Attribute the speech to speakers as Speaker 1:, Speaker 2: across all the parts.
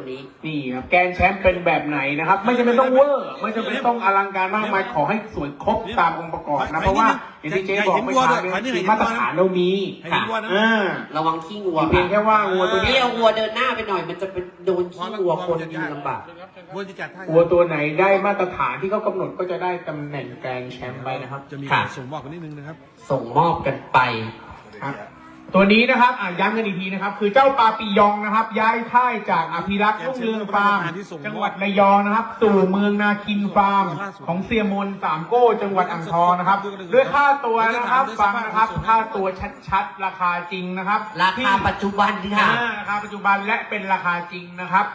Speaker 1: นี้
Speaker 2: นี่ครับแกนแชมป์เป็นแบบไหนนะครับไม่จำเป็นต้องเวอร์ไม่จำเป็นต้องอลังการมากมายขอให้สวยครบตามองค์ประกอบนะเพราะว่าอย่างที่เจ๊บอกไม่ช้าเนี่ยมาตรฐานเรามี
Speaker 1: ระวังขี้งัว
Speaker 2: เพียงแค่ว่างัวตัวนี้
Speaker 1: เอางัวเดินหน้าไปหน่อยมันจะเป็นโดนขี้งัวคนยิงลำบาก
Speaker 2: งัวตัวไหนได้มาตรฐานที่เขากำหนดก็จะได้ตำแหน่งแกนแชมป์ไปนะครับ
Speaker 3: จะมีส่งมอบกันนิดนึงนะครับ
Speaker 1: ส่งมอบกันไป
Speaker 2: ครับตัวนี้นะครับย้ำกันอีกทีนะครับคือเจ้าปาปิยองนะครับย้ายค่ายจากอภิรักษ์รุ่งเรืองฟาร์มจังหวัดระยองนะครับสู่เมืองนาคินฟาร์มของเซียมนสามโก้จังหวัดอ่างทองนะครับด้วยค่าตัวนะครับฟังนะครับค่าตัวชัดๆราคาจริงนะครับ
Speaker 1: ราคาปัจจุบันที่ค่ะ
Speaker 2: ราคาปัจจุบันและเป็นราคาจริงนะครับ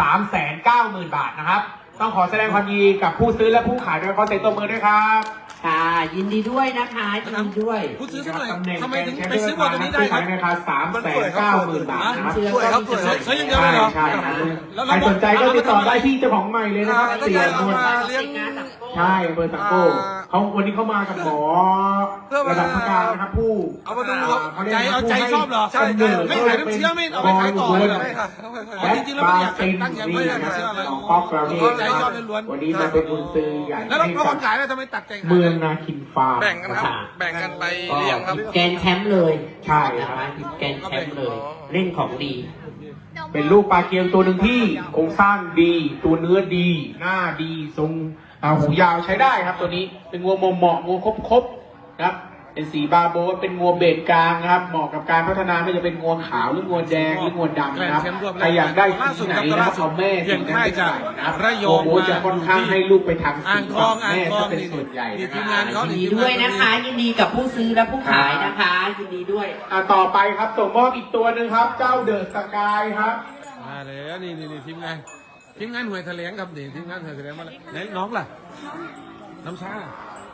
Speaker 2: 390,000 บาทนะครับต้องขอแสดงความยินดีกับผู้ซื้อและผู้ขายด้วยขอเสียงตบมือด้วยครับ
Speaker 1: ค่ะยินดีด้วยนะคะยินดีด้วย
Speaker 3: ผู้ซื้อเท่าไหร่ทำไมถึงไปซื้อวัวตัวนี้ได้ครับ
Speaker 2: ราคา390,000 บาทนะครับ
Speaker 3: สวยครับสวยใช่ยังไงเหรอ
Speaker 2: ใช่ใครสนใจก็ติดต่อได้ที่เจ้าของใหม่เลยนะครับเสียนวลใช่เบอร์สังโก้เขาวันนี้เขามากับหมอระดับประการนะครับผู้
Speaker 3: เอามาดูเอาใจชอบเหรอใช่ไม่ขายน้ำเชื้อไม่เอาไปขายต่อเลยจริงๆแล้วไม่อยากตั้งใจไม่ได้เชื่อเลยใจชอบล้วน
Speaker 2: วันนี้มาเป็นบุญซื้อใหญ่
Speaker 3: แล้วเราคนขายแล้วทำไมตัดใจ
Speaker 2: เมืองนาคินฟาร์ม
Speaker 4: แบ่งกันครับแบ่งกันไปเลี้ยงครับ
Speaker 1: แกนแชมป์เลย
Speaker 2: ใช่
Speaker 1: ครับแกนแชมป์เลยเล่นของดี
Speaker 2: เป็นลูกปลาเกียวตัวหนึ่งที่โครงสร้างดีตัวเนื้อดีหน้าดีทรงหูยาวใช้ได้ครับตัวนี้เป็นงัวเหมาะงัวครบนะครับเป็นสีบาโบเป็นงัวเบสกลางนะครับเหมาะกับการพัฒนาไม่จะเป็นงัวขาวหรืองัวแดงหรืองัวดำนะครับใครอยากได้สีไหนนะครับเอาแม่สีนั้นไปใส่นะครับโอ้โหจะค่อนข้างให้ลูกไปทางสีแม่จะเป็นส่วนใหญ่
Speaker 1: ยินดีด้วยนะคะยินดีกับผู้ซื้อและผู้ขายนะคะยินดีด้วย
Speaker 2: ต่อไปครับส่งมอบอีกตัวหนึ่งครับเจ้าเดอะสกายครับ
Speaker 3: มาแล้วนี่ทีมงานหน่วยแถลงครับนี่ทีมงานหน่วยแถลงมาแล้วไหนน้องล่ะน้ำชา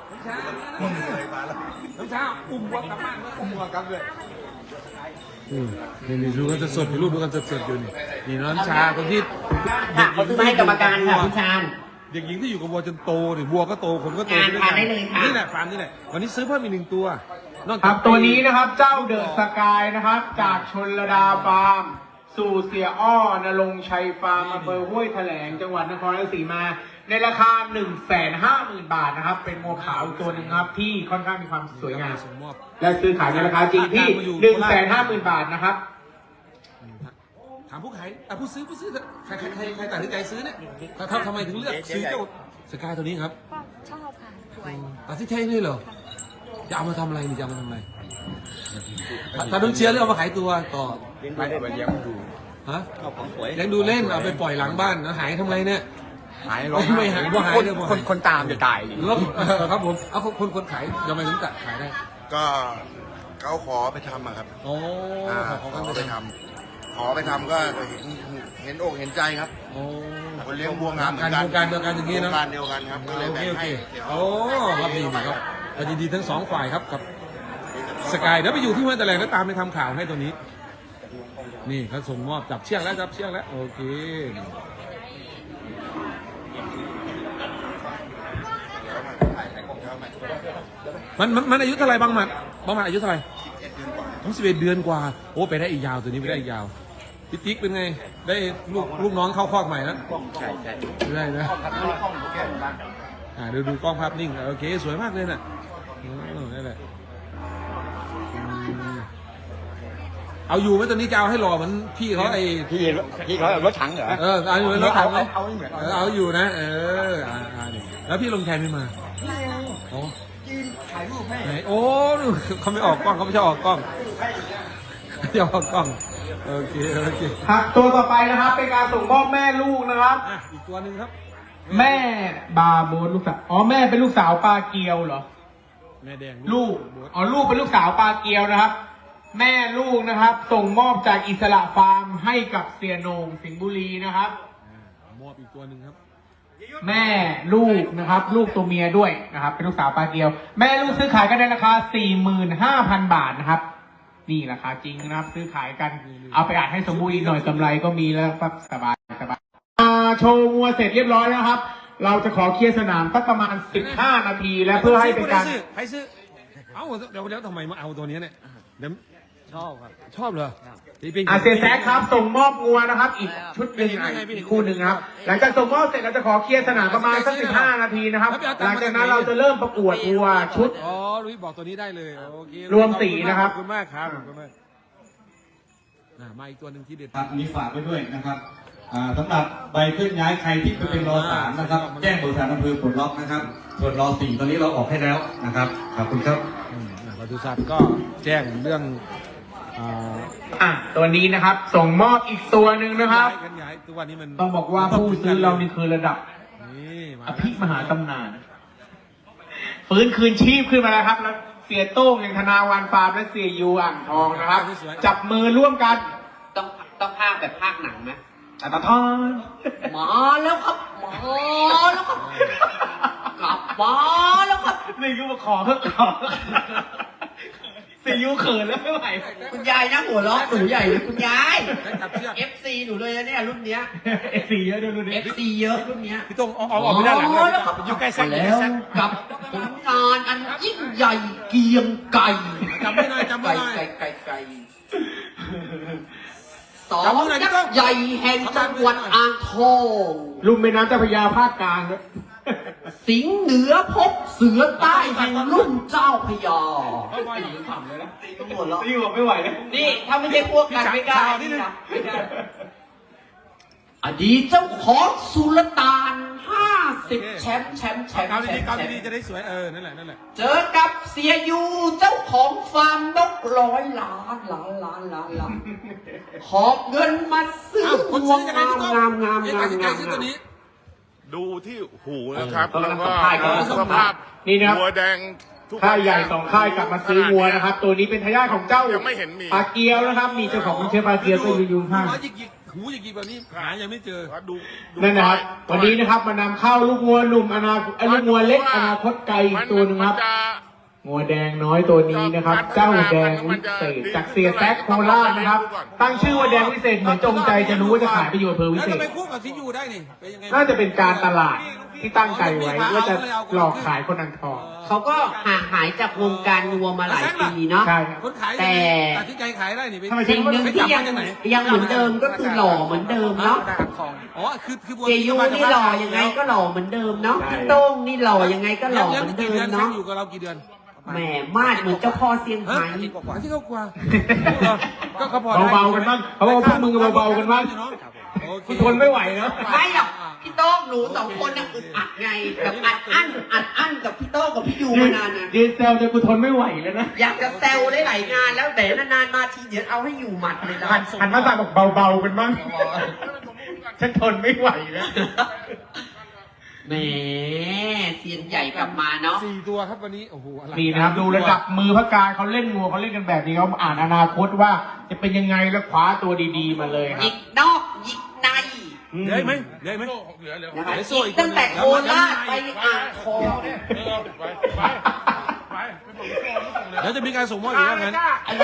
Speaker 3: อุ้มวัวกลับบ้านอุ้มวัวกลับเลยนี่ดูกันสดๆรูปดูกันสดๆอยู่นี่น้ำชาคนที่
Speaker 1: เขาซื้อมาให้กรรมการค่ะพี่ชาญ
Speaker 3: เด็กหญิงที่อยู่กับวัวจนโตนี่วัวก็โตคนก็โต
Speaker 1: ได้เลยค่ะ
Speaker 3: นี่แหละฟาร์มนี่แหละวันนี้ซื้อเพิ่มอีก1 ตัว
Speaker 2: ครับตัวนี้นะครับเจ้าเดอะสกายนะครับจากชลดาฟาร์มสู่เสียอ้อนรงชัยฟาร์มอำเภอห้วยแถลงจังหวัดนครราชสีมาในราคา 150,000 บาทนะครับเป็นงัวขาวตัวหนึ่งครับที่ค่อนข้างมีความสวยงามและซื้อขายในราคาจริงที่ 150,000 บาทนะครับ
Speaker 3: ถามผู้ขายผู้ซื้อใครตัดสินใจซื้อเนี่ยทำไมถึงเลือกซื้อเจ้าสกายตัวนี้ครับ
Speaker 5: ชอบค่ะสวย
Speaker 3: ตัดสินใจเลยเหรอจะเอามาทำอะไรจะเอามาทำอะไรถ้าต้องเชียร์หรือเอามาขายตัวต่อ
Speaker 4: ไม่ได้มาเลี้ยงดู
Speaker 3: ฮะเลี้ยงดูเล่นเอาไปปล่อยหลังบ้านแล้วหายทำไมเนี่ย
Speaker 4: หายไม่หายว่าหายคนตามจะตาย
Speaker 3: แล้วครับผมเอาคนขายยังไงถึงตัดขายได้
Speaker 4: ก็เขาขอไปทำครับ
Speaker 3: โอ้
Speaker 4: ขอไปทำก็เห็นอกเห็นใจครับคนเลี้ยงวัวงามเหมือนกัน
Speaker 3: การเดียวกันอย่างนี้นะ
Speaker 4: การเดียวกันครับก็เลยแบ่งให้
Speaker 3: โอ้ครับดีครับยินดีทั้ง2 ฝ่ายครับกับสกายเดี๋ยวไปอยู่ที่ห้วยแถลงแล้วตามไปทำข่าวให้ตัวนี้นี่เขาส่งมอบจับเชือกแล้วโอเคมันอายุเท่าไรบางหมัดอายุเท่าไร11 เดือนกว่าโอ้ไปได้อีกยาวตัวนี้ไปได้อีกยาวพี่ติ๊กเป็นไงได้ลูกน้องเข้าคอกใหม่นะ
Speaker 4: ใช่
Speaker 3: ได้นะดูกล้องภาพนิ่งโอเคสวยมากเลยน่ะนั่นแหละเอาอยู่ไหมตอนนี้จะเอาให้หล่อเหมือนพี่เขา
Speaker 4: พี่เขารถถังเหรอ
Speaker 3: เอาอยู่รถถังเลยเอาอยู่นะแล้วพี่ลงแทนไม่มา
Speaker 4: ถ่ายรูปให้
Speaker 3: โอ้เขาไม่ออกกล้องเขาไม่ชอบออกกล้องจะออกกล้องโอเค
Speaker 2: ครับตัวต่อไปนะครับเป็นการส่งมอบแม่ลูกนะครับ
Speaker 3: อีกตัวหนึ่งครับ
Speaker 2: แม่บาโบลูกสาวแม่เป็นลูกสาวปลาเกียวเหรอ
Speaker 3: แม่แดง
Speaker 2: ลูกเป็นลูกสาวปลาเกียวนะครับแม่ลูกนะครับส่งมอบจากอิสระฟาร์มให้กับเสียโหน่งสิงห์บุรีนะครับ
Speaker 3: มอบอีกตัวหนึ่งครับ
Speaker 2: แม่ลูกนะครับลูกตัวเมียด้วยนะครับเป็นลูกสาวปลาเกียวแม่ลูกซื้อขายกันในราคา 45,000 บาทนะครับนี่ราคาจริงนะครับซื้อขายกันเอาไปอ่านให้สมบูรณ์อีกหน่อยกำไรก็มีแล้วครับสบายโชว์งัวเสร็จเรียบร้อยแล้วครับเราจะขอเคลียร์สนามสักประมาณ15 นาทีและเพื่อให้เป็นการ
Speaker 3: ใครซื้อเดี๋ยวทำไมมาเอาตัวนี้เนี่ยเดี๋ยวชอบเหรอนี่เป็น
Speaker 2: เสียแซกครับส่งมอบงัวนะครับ อีกชุดหนึ่งอีกคู่หนึ่งครับ หลังจากส่งมอบเสร็จเราจะขอเคลียร์สนามประมาณสัก15 นาทีนะครับ หลังจากนั้นเราจะเริ่มประกวดวัวชุด
Speaker 3: อ๋อลุยบอกตัวนี้ได้เลยโอเค
Speaker 2: รวมสีนะครับ
Speaker 3: ขอบคุณมากครับขอบคุณมากมาอีกตัวหนึ่งที่เด็ด
Speaker 5: ครับอันนี้ฝากไว้ด้วยนะครับสำหรับใบเคลื่อนย้ายใครที่เป็นรอ3นะครับแจ้งบริษัทอำเภอปลดล็อกนะครับส่วนรอ4ตอนนี้เราออกให้แล้วนะครับขอบคุณครับ
Speaker 3: ปศุสัตว์ก็แจ้งเรื่อง
Speaker 2: ตัวนี้นะครับ ส่งมอบอีกตัวหนึ่งนะครับ
Speaker 3: กันย้ายตัวนี้มัน
Speaker 2: ต้องบอกว่าผู้ซื้อเรานี่คือระดับ
Speaker 3: นี่มา
Speaker 2: อภิมหาตำนานฟื้นคืนชีพขึ้นมาแล้วครับแล้วเสียโต้งอย่างธนาวันฟาร์มและเสียยูอ่างทองนะครับ จับมือร่วมกัน
Speaker 1: ต้องภาคแบบภาคหนังไหม
Speaker 2: อัตทอน
Speaker 1: มาแล้วครับมาแล้วครับกลับมาแล้วครับ
Speaker 2: นี่ก็มาขอเพิ่มขอเสียยูเขินแล้วไม่ไหว
Speaker 1: คุณยายนะหัวเราะหนูใหญ่เลยคุณยาย
Speaker 3: จับเชือก
Speaker 1: FC หนูเลยนะเนี่ยรุ่นเนี้ย
Speaker 2: FC เยอะด้วยดูดิ
Speaker 1: FC เยอะรุ่นเนี้ย
Speaker 3: พี่ตรงออกไปด้านหลัง
Speaker 1: แล้วครับ
Speaker 3: อยู่ใกล้แซก
Speaker 1: แล้วกับผลงานอันยิ่งใหญ่เกรียงไก่
Speaker 3: จำไม่ได้จำไม่ได้
Speaker 1: ไก่สองยักษ์ใหญ่แห่งจังหวัดอ่างทอง
Speaker 2: ลุ่มแม่น้ำเจ้าพระยาภาคกลางด้วย
Speaker 1: สิงห์เหนือพบเสือใต้แห่งรุ่นเจ้าพระยา
Speaker 2: ตีบอกไม่ไหวแล้ว
Speaker 1: นี่ถ้าไม่ใช่พวกกันไม่กล้านี่นะอดีตเจ้าของสุลต่าน50 แชมป์
Speaker 3: เกาดีๆจะได้สวยนั่นแหละ
Speaker 1: เจอกับเสียยูเจ้าของฟาร์มนก100 ล้านหอบเงินมาซื้อ
Speaker 3: คน
Speaker 1: วัว
Speaker 3: ซื้อยังไงพี่ต้อง
Speaker 1: งาม
Speaker 3: ซื้อตัวนี้
Speaker 6: ดูที่หูนะครับ แล้วก็
Speaker 2: สภาพนี่นะครับ
Speaker 6: หัวแดงทุก
Speaker 2: ค่ายใหญ่2 ค่ายกลับมาซื้อวัวนะครับ ตัวนี้เป็นทายาทของเจ้า
Speaker 6: ยังไม่เห็นมี
Speaker 2: ปลาเกียวนะครับ มีเจ้าของเชื้อปลาเกียวก็อยู่ข้าง
Speaker 3: หูหยิกแบบนี้หายังไม่เจอ
Speaker 6: ดู
Speaker 2: นั่นนะครับ วันนี้นะครับมานำเข้าลูกวัวหนุ่มลูกวัวเล็กอนาคตไกลอีกตัวหนึงครับงัวแดงน้อยตัวนี้นะครับ เจ้าแดงวิเศษจากเสียแซกโคราชนะครับ ตั้งชื่อว่าแดงวิเศษเหมือนจงใจจะรู้ว่าจะขายประโยชน์อำเภอวิ
Speaker 3: แล้ว
Speaker 2: เศ
Speaker 3: จะ
Speaker 2: ษ
Speaker 3: ไปคู่กับที่อยู่ได้นี่เป็นยังไง
Speaker 2: น่าจะเป็นการตลาดที่ตั้งใจไว้ว่าจะหลอกขายคนอ่างทอง
Speaker 1: เขาก็ห่างหายจากวงการวัวมาหลายปีเนาะ
Speaker 2: ใช่ครับ
Speaker 3: คนขาย
Speaker 1: แต่
Speaker 3: ตัดสินใจขายได้นี่
Speaker 2: ทำไม
Speaker 1: สิ่งหนึ่งที่ยังเหมือนเดิมก็คือหล่อเหมือนเดิมเนาะ
Speaker 3: อ๋อคือ
Speaker 1: เจยูนี่หล่อยังไงก็หล่อเหมือนเดิมเนาะพี่โต้งนี่หล่อยังไงก็หล่อเหมือนเดิมเนาะ
Speaker 3: อยู่กับเรากี่เดือน
Speaker 1: แหมมาดเหมือนเจ้าพ่อเซียงไฮ้
Speaker 3: ที่เขากว่าก็เขาพอ
Speaker 2: เบาๆกันบ้างเขาบอกพวกมึงเบาๆกันบ้างคุณทนไม่ไหวเนาะ
Speaker 1: ไม่หรอกพี่โต้งหนู2 คนน่ะอึดอัดไงแบบอัดอั้นกับพี่โต้งกับพี่ยูมานานนะ
Speaker 2: ยืนแซวจนกูทนไม่ไหวแล้วนะ
Speaker 1: อยากจะแซวได้หลายงานแล้วแต่นานๆมาทีเดี๋ยวเอาให้อยู่หมัดเลยนะ
Speaker 2: หันมาสั่งบอกเบาๆกันบ้างฉันทนไม่ไหวแล้ว
Speaker 1: แหมเซียนใหญ่กลับมาเนาะ
Speaker 3: 4 ตัวครับวันนี้โอ้โห
Speaker 2: นี่นะครับดูระดับมือพระการเขาเล่นงัวเขาเล่นกันแบบนี้เขาอ่านอนาคตว่าจะเป็นยังไงแล้วคว้าตัวดีๆมาเลยค
Speaker 1: ห
Speaker 2: รั
Speaker 1: ยิ
Speaker 2: บ
Speaker 1: กนอกหยิกใน
Speaker 3: ได้ไหม
Speaker 1: นะคะหยิกตั้งแต่โคราชไปอ่างทอง
Speaker 3: เดี๋ยวจะมีการส่งมอบอีกแล้วงั้น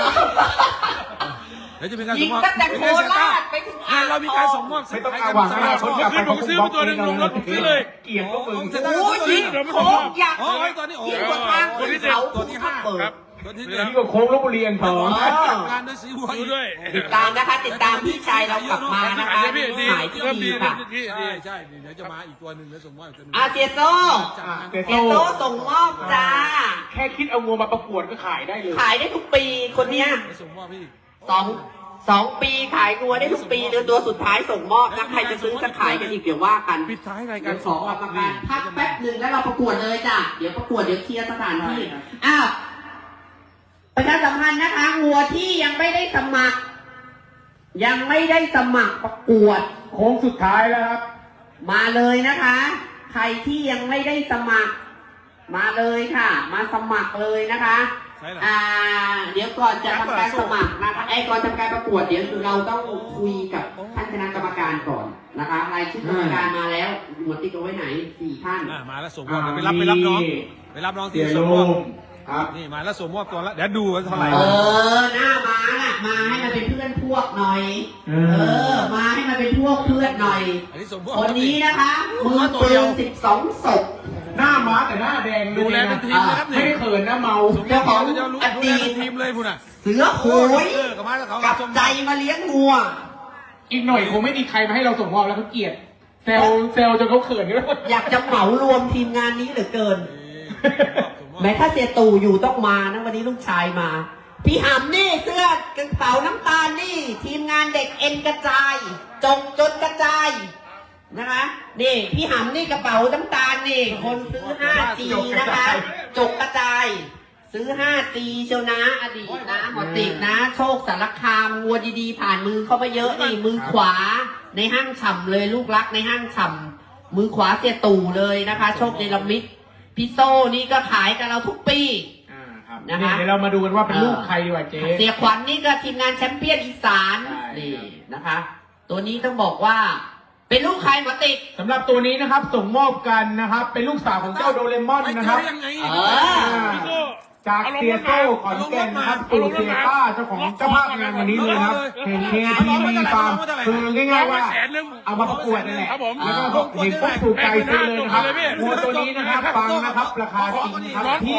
Speaker 3: เดี๋ยวจะมีการ
Speaker 1: หยิ
Speaker 3: ส่
Speaker 1: ก
Speaker 3: งมอบ
Speaker 1: ตั้งแต่โคราชไปถึงอ่างท
Speaker 3: เรามีการส่ง
Speaker 1: อง
Speaker 3: มอบ
Speaker 2: ไม่ต้องเอาหวังอนาคตกลับไปผมซื้อตัวนึงลงรถผมซื้อเลยเกลียดพวกมึง
Speaker 1: โอ้ยยิงโค้งยักษ์
Speaker 3: โอ้ยตัวนี้โอ้
Speaker 1: ยิ่งกว่าทางขึ้นเขาภูทับเบิก
Speaker 3: ตัวที่
Speaker 2: นี่ก็โค้งลบบุรีอ่างทอง
Speaker 3: การด้วยสีวัวด้วย
Speaker 1: ติดตามนะคะติดตามพี่ชายเรากลับมานะคะขายที่ดีค่ะ
Speaker 3: ใช่เดี๋ยวจะมาอีกตัวหนึ่งแล้วส่งมอบอีกตัวหนึ่ง
Speaker 1: อาเซียโซ
Speaker 2: เต
Speaker 1: เซียโซส่งมอบจ้า
Speaker 2: แค่คิดเอางัวมาประกวดก็ขายได้เลย
Speaker 1: ขายได้ทุกปีคนเนี้ย
Speaker 3: ส่งมอบพี่
Speaker 1: 2 ปีขายงัวได้ทุกปีเดือนตัวสุดท้ายส่งมอบนะใครจะซื้อจะขายกันอีกเดี๋ยวว่ากัน
Speaker 3: ปิดท้ายรายกา
Speaker 1: เดี๋
Speaker 3: ร
Speaker 1: ยวข
Speaker 3: ส่
Speaker 1: อง
Speaker 3: ม
Speaker 1: ก
Speaker 3: อ
Speaker 1: ร
Speaker 3: บ
Speaker 1: รมการพักแป๊บหนึ่งแล้วเราประกวดเลยจ้ะเดี๋ยวประกวดเดี๋ยวเคลียร์สถานที่อ้าวประชาสัมพันธ์นะคะงัวที่ยังไม่ได้สมัครประกวด
Speaker 2: โค้งสุดท้ายแล้วครับ
Speaker 1: มาเลยนะคะ ใครที่ยังไม่ได้สมัคร มาเลยค่ะ มาสมัครเลยนะคะ เดี๋ยวก่อนจะทำการสมัครนะคะก่อนทำการประกวดเดี๋ยวเราต้องคุยกับท่านคณะกรรมการก่อนนะคะรายชื่อกรรมการมาแล้วหมดติ๊กเอาไว้ไหน4 ท่าน
Speaker 3: มาแล้วส่งมอบไปรับน้องที่ส่งมอบนี่มาแล้วส่งมอบตัวแล้วเดี๋ยวดูว่าเท่าไหร่
Speaker 1: หน้าม้าน่ะมาให้มันเป็นเพื่อนพวกหน่อยมาให้มันเป็นพวกเพื่อนหน่อย
Speaker 3: อันนี้ส่งมอบ
Speaker 1: คนนี้นะคะมือปืน12 ศพ
Speaker 2: หน้าม้าแต่หน้าแดง
Speaker 3: ดูแลเป็นทีมเลยครับ
Speaker 2: ไม่
Speaker 3: นี่
Speaker 2: ได้เขินนะเมา
Speaker 1: เจ้าของ
Speaker 3: จะรู้
Speaker 1: อ
Speaker 3: ดู
Speaker 1: ดี
Speaker 3: แล
Speaker 1: ต
Speaker 3: เป็นทีมเลยพุ่นอ่ะ
Speaker 1: เสือโหย
Speaker 3: กับมาแล้วเขา
Speaker 1: กับใจมาเลี้ยงงัว
Speaker 2: อีกหน่อยคงไม่มีใครมาให้เราส่งมอบแล้วเขาเกลียดเซลจนเขาเขินกัน
Speaker 1: อยากจะเหมารวมทีมงานนี้เหลือเกิน แม้ถ้าเสียตู่อยู่ต้องมานะวันนี้ลูกชายมา พี่หำนี่เสื้อกระเป๋าน้ำตาลนี่ ทีมงานเด็กเอ็นกระจาย จงจนกระจายนะคะนี่พี่หำนี่กระเป๋าน้ำตาลนี่ คนซื้อ 5G นะคะ จกกระจาย ซื้อ 5G เชียวนะอดีตนะหมอติกนะ โชคสารคามวัวดีๆ ผ่านมือเข้ามาเยอะนี่มือขวาในห้างฉ่ำเลยลูกรักในห้างฉ่ำมือขวาเสียตู่เลยนะคะ โชคเนรมิตพี่โซ่นี่ก็ขายกับเราทุกปี
Speaker 2: ครับ
Speaker 1: นะคะ
Speaker 2: เดี๋ยวเรามาดูกันว่าเป็นลูกใครดีกว่าเจ๊
Speaker 1: เสียขวัญนี่ก็ทีมงานแชมเปี้ยนอีสาน
Speaker 2: ใช่
Speaker 1: นี่นะคะ ตัวนี้ต้องบอกว่า เป็นลูกใครหมอติก
Speaker 2: สำหรับตัวนี้นะครับส่งมอบกันนะครับ เป็นลูกสาวของเจ้าโดเรมอน
Speaker 3: ไม่
Speaker 2: นะ
Speaker 3: เจ
Speaker 2: ครั
Speaker 3: อบ ยังไง
Speaker 1: เออ
Speaker 2: จากเซียโต้ขอนแก่นนะครับสู่เซียต้าเจ้าของเจ้าภาพงานวันนี้เลยนะครับเห็นเคทีวีฟาร์มคือง่ายๆว่าเอามาประกวดนั่นแหละแล้วก็เห็นปุ๊บถูกใจซื้อเลยนะครับวัวตัวนี้นะครับฟังนะครับราคาจริงครับที่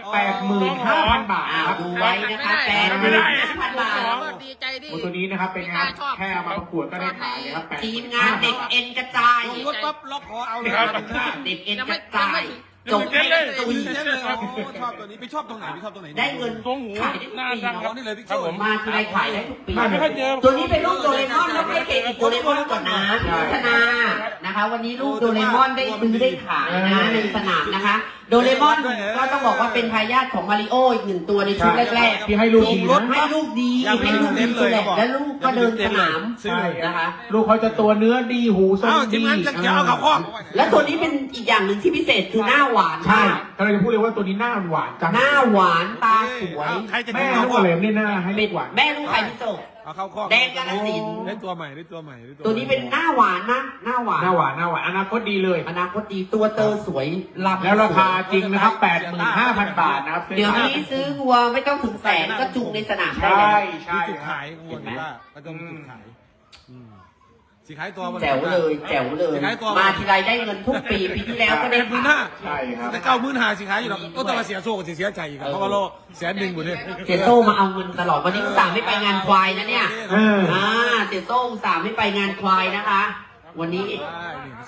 Speaker 2: 85,000 บาทนะครับ
Speaker 1: ดูไว้นะคะ85,000 บาท
Speaker 7: ดีใจดิ
Speaker 2: วัวตัวนี้นะครับเป็นงานแค่เอามาประกวดก็ได้ขายเลยครับ
Speaker 1: ทีมงานเด็กเอ็นกระจาย
Speaker 3: รถปั๊บล็อกคอเอาเลย
Speaker 1: เด็กเอ็นกระจายจง
Speaker 3: เต้
Speaker 1: ให้
Speaker 3: นเลย
Speaker 1: ตุย
Speaker 3: เต้นเลยชอบตัวนี้ไปชอบตรงไหนไปชอบตรงไหน
Speaker 1: ได้เงินขายได้ทุกปี
Speaker 3: อ๋อ
Speaker 1: เนาะ
Speaker 3: นี่เลยพี่โจ
Speaker 1: มาทีไรขายได้ทุกปี
Speaker 2: ไม่ค่อยเจอ
Speaker 1: ตัวนี้เป็นลูกโดเรมอนแล้วให้เครดิตโดเรมอนก่อนนะพี่พัฒนานะคะ วันนี้ลูกโดเรมอนได้ซื้อได้ขายนะในสนามนะคะ โดเรมอนก็ต้องบอกว่าเป็นทายาทของมาริโออีกหนึ่งตัวในชุดแรกๆ
Speaker 2: ที่ให้ลูกดีนะ
Speaker 1: ให้ลูกดีให้ลูกดีเลยและลูกก็เดินสนาม
Speaker 2: ใช่
Speaker 1: นะคะ
Speaker 2: ลูกเขาจะตัวเนื้อดีหูทรง
Speaker 3: อ้าวที
Speaker 2: ดี
Speaker 3: มงานจะเอาเขาคอก
Speaker 1: และตัวนี้เป็นอีกอย่างหนึ่งที่พิเศษคือหน้าหวาน
Speaker 2: ใช่
Speaker 1: มาก
Speaker 2: กำลังจะพูดเลยว่าตัวนี้หน้าหวานจัง
Speaker 1: หน้าหวานตาสวย
Speaker 3: ใครจะ
Speaker 2: แม่
Speaker 3: เอา
Speaker 2: ลูก
Speaker 3: คอก
Speaker 2: เหลมนี่หน้าให้
Speaker 1: เป็
Speaker 2: ลู
Speaker 1: น
Speaker 2: กหวาน
Speaker 1: แม่ลูกใครพิโซ
Speaker 3: เอาเข้าคอก
Speaker 1: แดงกาฬสินธุ์
Speaker 3: ได้ตัวใหม่ได้ตัวใหม่ได้
Speaker 1: ตัวนี้เป็นหน้าหวานนะหน้าหวาน
Speaker 2: หน้าหวานหน้าหวานอนาคตดีเลย
Speaker 1: อนาคตดีตัวเตอสวยลำ
Speaker 2: แล้วราคาจริงนะครับ 85,000 บาทนะครับ
Speaker 1: เดี๋ยวนี้ซื้อวัวไม่ต้องถึงแสนก็จุงในสนามได้
Speaker 2: ใช่
Speaker 1: แล้ว
Speaker 2: ใช่
Speaker 3: มีจุด
Speaker 2: ครั
Speaker 3: ขา
Speaker 2: บ
Speaker 3: ยวัวกีฬาก็ต้องมีจุดขายสีขายตัว
Speaker 1: แจ๋วเลยแจ๋วเลย
Speaker 3: สีขายตัว
Speaker 1: มาทีไรได้เงินทุกปีปีที่แล้วก็ได้
Speaker 3: เป็น15,000
Speaker 2: ใช่ครับ
Speaker 3: แต่95,000สีขายอยู่หรอกก็ต้องมาเสียโซ่กับเสียใจอีกเพราะว่าโล100,000หมดเลย
Speaker 1: เสียโซ่มาเอาเงินตลอดวันนี้อุตส่าห์ไม่ไปงานควายนะเนี่ย
Speaker 2: เออ
Speaker 1: เสียโซ่อุตส่าห์ไม่ไปงานควายนะคะ วันนี้
Speaker 3: ได้